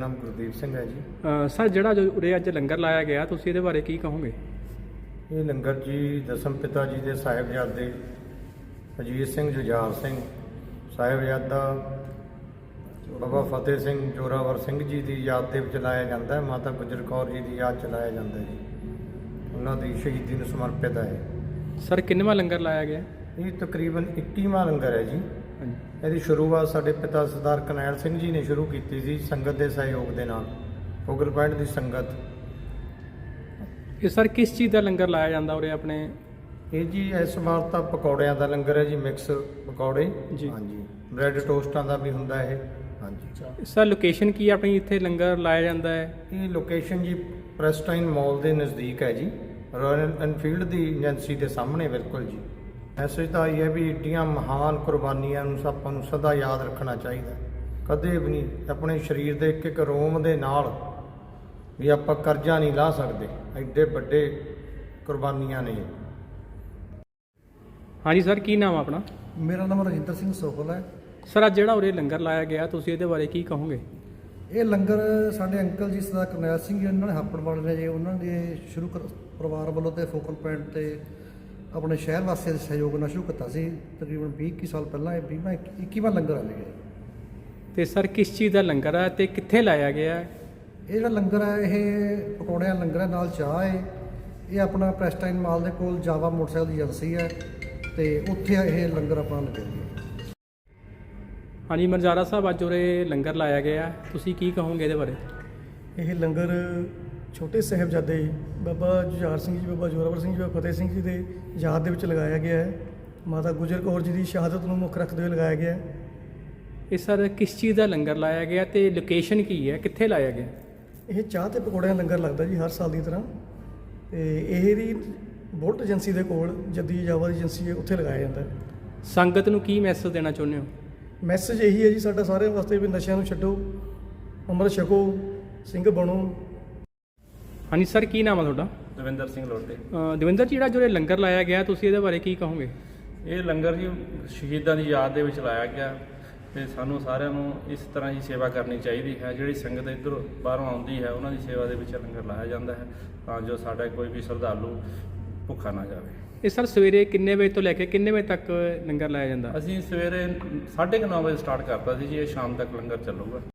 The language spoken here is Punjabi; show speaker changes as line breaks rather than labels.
ਨਾਮ ਗੁਰਦੀਪ ਸਿੰਘ ਹੈ ਜੀ।
ਸਰ ਜਿਹੜਾ ਜੋ ਉਰੇ ਅੱਜ ਲੰਗਰ ਲਾਇਆ ਗਿਆ ਤੁਸੀਂ ਇਹਦੇ ਬਾਰੇ ਕੀ ਕਹੋਗੇ?
ਇਹ ਲੰਗਰ ਜੀ ਦਸਮ ਪਿਤਾ ਜੀ ਦੇ ਸਾਹਿਬਜ਼ਾਦੇ ਅਜੀਤ ਸਿੰਘ ਜੁਝਾਰ ਸਿੰਘ, ਸਾਹਿਬਜ਼ਾਦਾ ਬਾਬਾ ਫਤਿਹ ਸਿੰਘ ਜੋਰਾਵਰ ਸਿੰਘ ਜੀ ਦੀ ਯਾਦ ਦੇ ਵਿੱਚ ਲਾਇਆ ਜਾਂਦਾ ਹੈ। ਮਾਤਾ ਗੁਜਰ ਕੌਰ ਜੀ ਦੀ ਯਾਦ 'ਚ ਲਾਇਆ ਜਾਂਦਾ ਹੈ ਜੀ। ਉਹਨਾਂ ਦੀ ਸ਼ਹੀਦੀ ਨੂੰ ਸਮਰਪਿਤ ਹੈ।
ਸਰ ਕਿੰਨਵਾਂ ਲੰਗਰ ਲਾਇਆ ਗਿਆ?
ਇਹ ਤਕਰੀਬਨ 21ਵਾਂ ਲੰਗਰ ਹੈ ਜੀ।
ਹਾਂਜੀ।
ਇਹਦੀ ਸ਼ੁਰੂਆਤ ਸਾਡੇ ਪਿਤਾ ਸਰਦਾਰ ਕਰਨੈਲ ਸਿੰਘ ਜੀ ਨੇ ਸ਼ੁਰੂ ਕੀਤੀ ਸੀ ਸੰਗਤ ਦੇ ਸਹਿਯੋਗ ਦੇ ਨਾਲ, ਫੋਗਲ ਪੁਆਇੰਟ ਦੀ ਸੰਗਤ।
ਇਹ ਸਰ ਕਿਸ ਚੀਜ਼ ਦਾ ਲੰਗਰ ਲਾਇਆ ਜਾਂਦਾ ਉਰੇ ਆਪਣੇ?
ਇਹ ਜੀ ਇਸ ਵਾਰ ਤਾਂ ਪਕੌੜਿਆਂ ਦਾ ਲੰਗਰ ਹੈ ਜੀ, ਮਿਕਸ ਪਕੌੜੇ
ਜੀ।
ਹਾਂਜੀ, ਬ੍ਰੈਡ ਟੋਸਟਾਂ ਦਾ ਵੀ ਹੁੰਦਾ ਇਹ। ਹਾਂਜੀ
ਸਰ ਲੋਕੇਸ਼ਨ ਕੀ ਆਪਣੀ ਇੱਥੇ ਲੰਗਰ ਲਾਇਆ ਜਾਂਦਾ ਹੈ?
ਇਹ ਲੋਕੇਸ਼ਨ ਜੀ ਪ੍ਰੈਸਟਾਈਨ ਮਾਲ ਦੇ ਨਜ਼ਦੀਕ ਹੈ ਜੀ, ਰਾਇਲ ਐਨਫੀਲਡ ਦੀ ਏਜੰਸੀ ਦੇ ਸਾਹਮਣੇ ਬਿਲਕੁਲ ਜੀ। ਮੈਸੇਜ ਤਾਂ ਇਹ ਹੈ ਵੀ ਏਡੀਆਂ ਮਹਾਨ ਕੁਰਬਾਨੀਆਂ ਨੂੰ ਆਪਾਂ ਨੂੰ ਸਦਾ ਯਾਦ ਰੱਖਣਾ ਚਾਹੀਦਾ। ਕਦੇ ਵੀ ਨਹੀਂ ਆਪਣੇ ਸਰੀਰ ਦੇ ਇੱਕ ਇੱਕ ਰੋਮ ਦੇ ਨਾਲ ਵੀ ਆਪਾਂ ਕਰਜ਼ਾ ਨਹੀਂ ਲਾ ਸਕਦੇ, ਐਡੇ ਵੱਡੇ ਕੁਰਬਾਨੀਆਂ ਨੇ।
ਹਾਂਜੀ ਸਰ, ਕੀ ਨਾਮ ਆਪਣਾ?
ਮੇਰਾ ਨਾਮ ਰਜਿੰਦਰ ਸਿੰਘ ਸੋਹਲ ਹੈ।
ਸਰ ਅੱਜ ਜਿਹੜਾ ਉਰੇ ਲੰਗਰ ਲਾਇਆ ਗਿਆ ਤੁਸੀਂ ਇਹਦੇ ਬਾਰੇ ਕੀ ਕਹੋਗੇ?
ਇਹ ਲੰਗਰ ਸਾਡੇ ਅੰਕਲ ਜੀ ਸਰਦਾਰ ਕਰਨੈਲ ਸਿੰਘ ਜੀ ਉਹਨਾਂ ਨੇ ਹਾਪੜ ਵਾਲੇ ਨੇ ਜੀ, ਉਹਨਾਂ ਦੇ ਪਰਿਵਾਰ ਵੱਲੋਂ ਤੇ ਫੋਕਲ ਪੁਆਇੰਟ ਤੇ ਆਪਣੇ ਸ਼ਹਿਰ ਵਾਸੀਆਂ ਦੇ ਸਹਿਯੋਗ ਨਾਲ ਸ਼ੁਰੂ ਕੀਤਾ ਸੀ। ਤਕਰੀਬਨ 20 ਸਾਲ ਪਹਿਲਾਂ ਇਹ 21ਵਾਂ ਲੰਗਰ ਆ ਗਿਆ।
ਤੇ ਸਰ ਕਿਸ ਚੀਜ਼ ਦਾ ਲੰਗਰ ਹੈ ਤੇ ਕਿੱਥੇ ਲਾਇਆ ਗਿਆ ਹੈ?
ਇਹ ਜਿਹੜਾ ਲੰਗਰ ਹੈ ਇਹ ਪਕੌੜਿਆਂ ਲੰਗਰ ਹੈ, ਨਾਲ ਚਾਹ ਹੈ। ਇਹ ਆਪਣਾ ਪ੍ਰੈਸਟਾਈਨ ਮਾਲ ਦੇ ਕੋਲ ਜਾਵਾ ਮੋਟਰਸਾਈਕਲ ਦੀ ਏਜੰਸੀ ਹੈ ਤੇ ਉੱਥੇ ਇਹ ਲੰਗਰ ਆਪਣਾ ਲੱਗਿਆ ਜੀ।
ਹਾਂਜੀ ਮਰਜ਼ਾਰਾ ਸਾਹਿਬ, ਅੱਜ ਉਰੇ ਲੰਗਰ ਲਾਇਆ ਗਿਆ, ਤੁਸੀਂ ਕੀ ਕਹੋਗੇ ਇਹਦੇ ਬਾਰੇ?
ਇਹ ਲੰਗਰ ਛੋਟੇ ਸਾਹਿਬਜ਼ਾਦੇ ਬਾਬਾ ਜੁਝਾਰ ਸਿੰਘ ਜੀ, ਬਾਬਾ ਜੋਰਾਵਰ ਸਿੰਘ ਜੀ, ਬਾਬਾ ਫਤਿਹ ਸਿੰਘ ਜੀ ਦੇ ਯਾਦ ਦੇ ਵਿੱਚ ਲਗਾਇਆ ਗਿਆ ਹੈ। ਮਾਤਾ ਗੁਜਰ ਕੌਰ ਜੀ ਦੀ ਸ਼ਹਾਦਤ ਨੂੰ ਮੁੱਖ ਰੱਖਦੇ ਹੋਏ ਲਗਾਇਆ ਗਿਆ ਹੈ।
ਇਹ ਸਰ ਕਿਸ ਚੀਜ਼ ਦਾ ਲੰਗਰ ਲਾਇਆ ਗਿਆ ਤੇ ਲੋਕੇਸ਼ਨ ਕੀ ਹੈ, ਕਿੱਥੇ ਲਾਇਆ ਗਿਆ?
ਇਹ ਚਾਹ ਤੇ ਪਕੌੜਿਆਂ ਦਾ ਲੰਗਰ ਲੱਗਦਾ ਜੀ ਹਰ ਸਾਲ ਦੀ ਤਰ੍ਹਾਂ, ਤੇ ਇਹ ਦੀ ਬੁਲਟ ਏਜੰਸੀ ਦੇ ਕੋਲ ਜੱਦੀ ਜਾਵਾ ਦੀ ਏਜੰਸੀ ਹੈ, ਉੱਥੇ ਲਗਾਇਆ ਜਾਂਦਾ ਹੈ।
ਸੰਗਤ ਨੂੰ ਕੀ ਮੈਸੇਜ ਦੇਣਾ ਚਾਹੁੰਦੇ ਹੋ?
ਮੈਸੇਜ ਇਹੀ ਹੈ ਜੀ ਸਾਡਾ ਸਾਰਿਆਂ ਵਾਸਤੇ ਵੀ ਨਸ਼ਿਆਂ ਨੂੰ ਛੱਡੋ, ਅੰਮ੍ਰਿਤ ਛਕੋ, ਸਿੰਘ ਬਣੋ।
ਹਾਂਜੀ ਸਰ, ਕੀ ਨਾਮ ਹੈ ਤੁਹਾਡਾ?
ਦਵਿੰਦਰ ਸਿੰਘ ਲੋਟੇ।
ਦਵਿੰਦਰ ਜੀ, ਜਿਹੜਾ ਜੋ ਲੰਗਰ ਲਾਇਆ ਗਿਆ ਤੁਸੀਂ ਇਹਦੇ ਬਾਰੇ ਕੀ ਕਹੋਗੇ?
ਇਹ ਲੰਗਰ ਜੀ ਸ਼ਹੀਦਾਂ ਦੀ ਯਾਦ ਦੇ ਵਿੱਚ ਲਾਇਆ ਗਿਆ ਤੇ ਸਾਨੂੰ ਸਾਰਿਆਂ ਨੂੰ ਇਸ ਤਰ੍ਹਾਂ ਹੀ ਸੇਵਾ ਕਰਨੀ ਚਾਹੀਦੀ ਹੈ। ਜਿਹੜੀ ਸੰਗਤ ਇੱਧਰੋਂ ਬਾਹਰੋਂ ਆਉਂਦੀ ਹੈ ਉਹਨਾਂ ਦੀ ਸੇਵਾ ਦੇ ਵਿੱਚ ਲੰਗਰ ਲਾਇਆ ਜਾਂਦਾ ਹੈ ਤਾਂ ਜੋ ਸਾਡਾ ਕੋਈ ਵੀ ਸ਼ਰਧਾਲੂ ਭੁੱਖਾ ਨਾ ਜਾਵੇ।
ਇਹ ਸਰ ਸਵੇਰੇ ਕਿੰਨੇ ਵਜੇ ਤੋਂ ਲੈ ਕੇ ਕਿੰਨੇ ਵਜੇ ਤੱਕ ਲੰਗਰ ਲਾਇਆ ਜਾਂਦਾ?
ਅਸੀਂ ਸਵੇਰੇ 9:30 ਵਜੇ ਸਟਾਰਟ ਕਰਤਾ ਸੀ ਜੀ, ਇਹ ਸ਼ਾਮ ਤੱਕ ਲੰਗਰ ਚੱਲੂਗਾ।